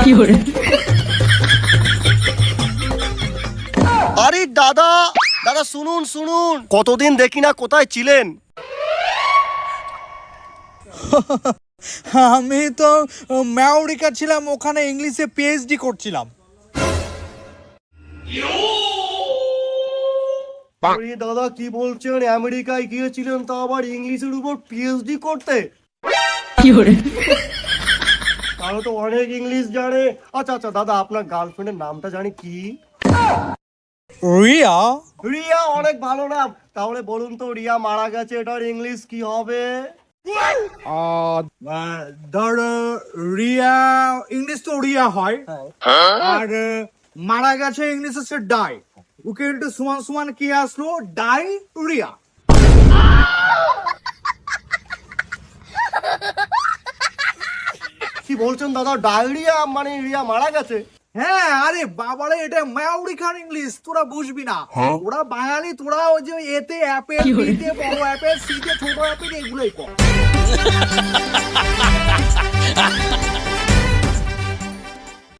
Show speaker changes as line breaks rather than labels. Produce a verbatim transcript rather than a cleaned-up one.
আরে দাদা দাদা শুনুন শুনুন, কতদিন দেখি না, কোথায় ছিলেন?
আমি তো আমেরিকা ছিলাম, ওখানে ইংলিশে পিএইচডি করছিলাম।
আরে দাদা কি বলছেন, আমেরিকায় গিয়েছিলেন তা আবার ইংলিশের উপর পিএইচডি করতে? তাহলে তো অনেক ইংলিশ জানে। আচ্ছা আচ্ছা দাদা, আপনার গার্লফ্রেন্ডের নামটা জানি কি?
রিয়া।
রিয়া, অনেক ভালো নাম। তাহলে বলুন তো, রিয়া মারা গেছে, এটার ইংলিশ কি হবে?
ধর রিয়া, ইংলিশ তো রিয়া হয়, আর মারা গেছে ইংলিশ হচ্ছে ডাই। ওকে একটু সমান সমান কি আসলো, ডাই রিয়া।
কি বলছেন দাদা, ডায়রিয়া মানে রিয়া মারা গেছে?
হ্যাঁ, আরে বাবারে, এটা আমেরিকান ইংলিশ, তোরা বুঝবি না। ওরা বাঙালি, তোরা ওই যে এতে অ্যাপেল, বিতে বড় অ্যাপেল, সিতে ছোট অ্যাপেল, এগুলোই কর।